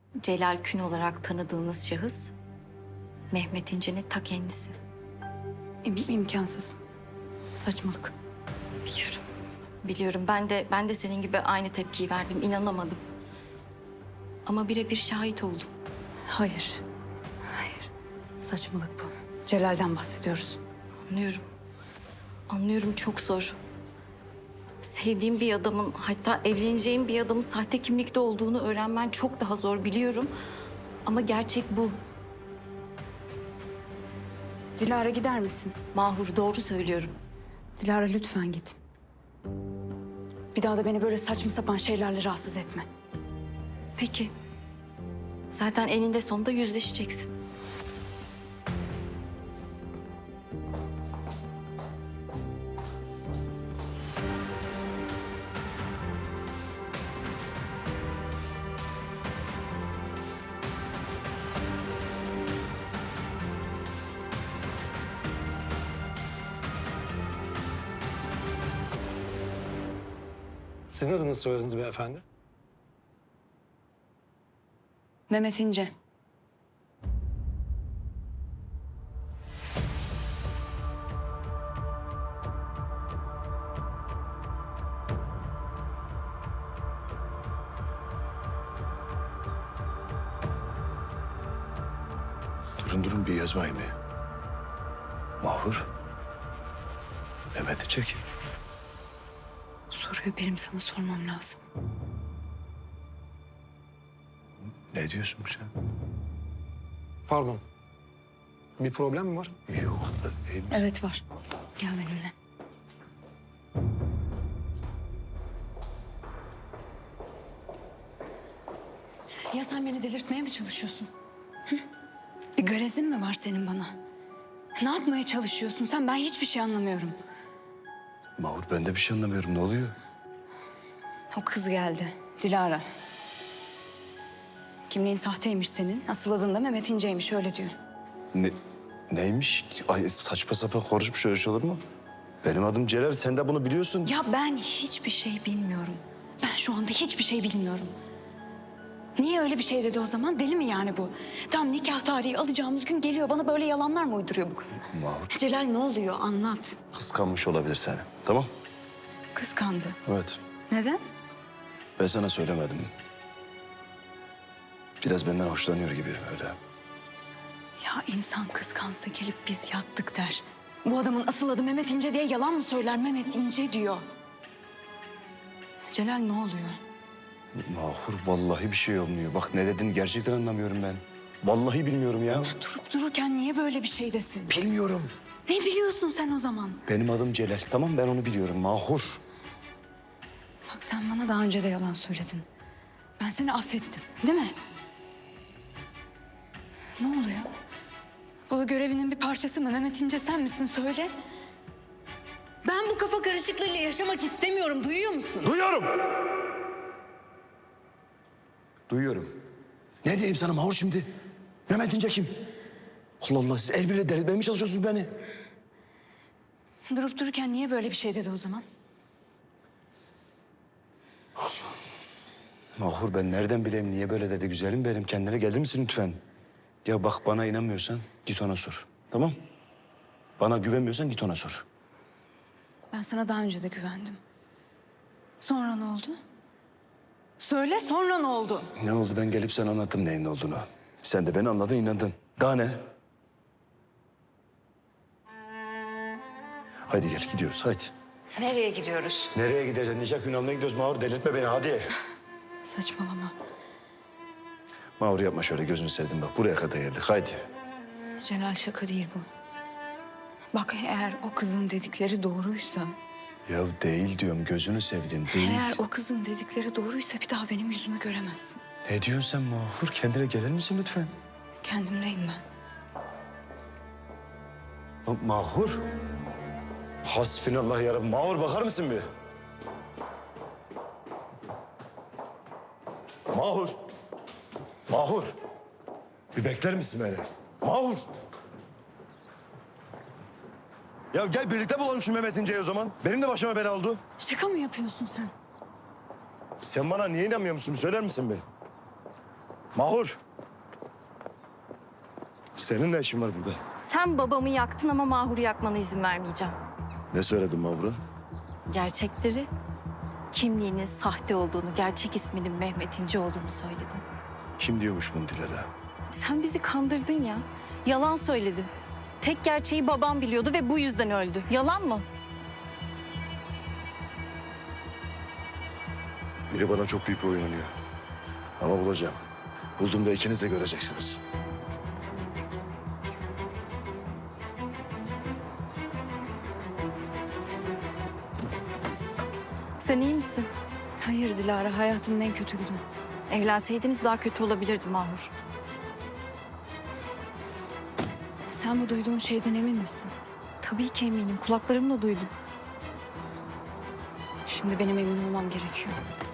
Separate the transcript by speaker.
Speaker 1: Celal Kün olarak tanıdığınız şahıs Mehmet İnce'nin ta kendisi.
Speaker 2: İmkansız. Saçmalık.
Speaker 1: Biliyorum. Biliyorum. Ben de senin gibi aynı tepkiyi verdim. İnanamadım. Ama birebir şahit oldum.
Speaker 2: Hayır. Hayır. Saçmalık bu. Celal'den bahsediyoruz.
Speaker 1: Anlıyorum. Anlıyorum, çok zor. Sevdiğim bir adamın, hatta evleneceğim bir adamın sahte kimlikte olduğunu öğrenmen çok daha zor, biliyorum. Ama gerçek bu.
Speaker 2: Dilara gider misin?
Speaker 1: Mahur, doğru söylüyorum.
Speaker 2: Dilara lütfen git. Bir daha da beni böyle saçma sapan şeylerle rahatsız etme.
Speaker 1: Peki. Zaten eninde sonunda yüzleşeceksin.
Speaker 3: Sizin adınızı soyadınız beyefendi?
Speaker 2: Mehmet İnce.
Speaker 4: Durun bir yazmayın bir. Mahur. Mehmet'i çekin.
Speaker 2: Soruyu benim sana sormam lazım.
Speaker 4: Ne diyorsun sen?
Speaker 3: Pardon. Bir problem mi var?
Speaker 4: Yok da iyi misin?
Speaker 2: Evet var. Gel benimle. Ya sen beni delirtmeye mi çalışıyorsun? Hı? Bir garezin mi var senin bana? Ne yapmaya çalışıyorsun sen? Ben hiçbir şey anlamıyorum.
Speaker 4: Mahur ben de bir şey anlamıyorum. Ne oluyor?
Speaker 2: O kız geldi. Dilara. Kimliğin sahteymiş senin. Asıl adın da Mehmet İnce'ymiş, öyle diyor.
Speaker 4: Neymiş? Ay saçma sapan konuşmuş, öyle şey olur mu? Benim adım Celal, sen de bunu biliyorsun.
Speaker 2: Ya ben hiçbir şey bilmiyorum. Ben şu anda hiçbir şey bilmiyorum. Niye öyle bir şey dedi o zaman? Deli mi yani bu? Tam nikah tarihi alacağımız gün geliyor. Bana böyle yalanlar mı uyduruyor bu kız?
Speaker 4: Mahur
Speaker 2: Celal ne oluyor? Anlat.
Speaker 4: kıskanmış olabilir seni. Tamam?
Speaker 2: Kıskandı.
Speaker 4: Evet.
Speaker 2: Neden?
Speaker 4: Ben sana söylemedim. Biraz benden hoşlanıyor gibi öyle.
Speaker 2: Ya insan kıskansa gelip biz yattık der. Bu adamın asıl adı Mehmet İnce diye yalan mı söyler? Mehmet İnce diyor. Celal ne oluyor?
Speaker 4: Mahur vallahi bir şey olmuyor. Bak ne dediğini gerçekten anlamıyorum ben. Vallahi bilmiyorum ya.
Speaker 2: Durup dururken niye böyle bir şey desin?
Speaker 4: Bilmiyorum.
Speaker 2: Ne biliyorsun sen o zaman?
Speaker 4: Benim adım Celal. Tamam ben onu biliyorum Mahur.
Speaker 2: Bak sen bana daha önce de yalan söyledin. Ben seni affettim, değil mi? Ne oluyor? Bu görevinin bir parçası mı? Mehmet İnce sen misin? Söyle. Ben bu kafa karışıklığıyla yaşamak istemiyorum. Duyuyor musun?
Speaker 4: Duyuyorum. Duyuyorum. Ne diyeyim sana Mahur şimdi? Mehmet İnce kim? Allah Allah siz el birle delirtmeye mi çalışıyorsunuz beni?
Speaker 2: Durup dururken niye böyle bir şey dedi o zaman?
Speaker 4: Mahur ben nereden bileyim niye böyle dedi güzelim benim. Kendine gelir misin lütfen? Ya bak bana inanmıyorsan git ona sor. Tamam? Bana güvenmiyorsan git ona sor.
Speaker 2: Ben sana daha önce de güvendim. Sonra ne oldu? Söyle sonra ne oldu?
Speaker 4: Ne oldu ben gelip sana anlattım neyin ne olduğunu. Sen de beni anladın inandın. Daha ne? Haydi gel gidiyoruz haydi.
Speaker 2: Nereye gidiyoruz?
Speaker 4: Nereye gideceğiz? Nikah günahına gidiyoruz Mahur. Delirtme beni hadi.
Speaker 2: Saçmalama.
Speaker 4: Mahur yapma şöyle gözünü sevdim bak. Buraya kadar geldik haydi.
Speaker 2: Celal şaka değil bu. Bak eğer o kızın dedikleri doğruysa...
Speaker 4: Ya değil diyorum gözünü sevdim değil.
Speaker 2: Eğer o kızın dedikleri doğruysa bir daha benim yüzümü göremezsin.
Speaker 4: Ne diyorsun sen Mahur? Kendine gelir misin lütfen?
Speaker 2: Kendimdeyim ben.
Speaker 4: Mahur. Hasbinallah yarabbim. Mahur bakar mısın bir? Mahur. Mahur. Bir bekler misin beni? Mahur. Ya gel birlikte bulalım şu Mehmet İnce'yi o zaman. Benim de başıma bela oldu.
Speaker 2: Şaka mı yapıyorsun sen?
Speaker 4: Sen bana niye inanmıyor musun? Söyler misin bir? Mahur. Senin ne işin var burada?
Speaker 1: Sen babamı yaktın ama Mahur'u yakmana izin vermeyeceğim.
Speaker 4: Ne söyledin Mahur'a?
Speaker 1: Gerçekleri, kimliğinin sahte olduğunu, gerçek isminin Mehmet İnce olduğunu söyledim.
Speaker 4: Kim diyormuş bunu Dilara?
Speaker 1: Sen bizi kandırdın ya. Yalan söyledin. Tek gerçeği babam biliyordu ve bu yüzden öldü. Yalan mı?
Speaker 4: Biri bana çok büyük bir oyun oynuyor. Ama bulacağım. Bulduğumda ikiniz de göreceksiniz.
Speaker 1: Sen iyi misin?
Speaker 2: Hayır Dilara, hayatımın en kötü günü.
Speaker 1: Evlenseydiniz daha kötü olabilirdi Mahur.
Speaker 2: Sen bu duyduğun şeyden emin misin?
Speaker 1: Tabii ki eminim. Kulaklarımla duydum.
Speaker 2: Şimdi benim emin olmam gerekiyor.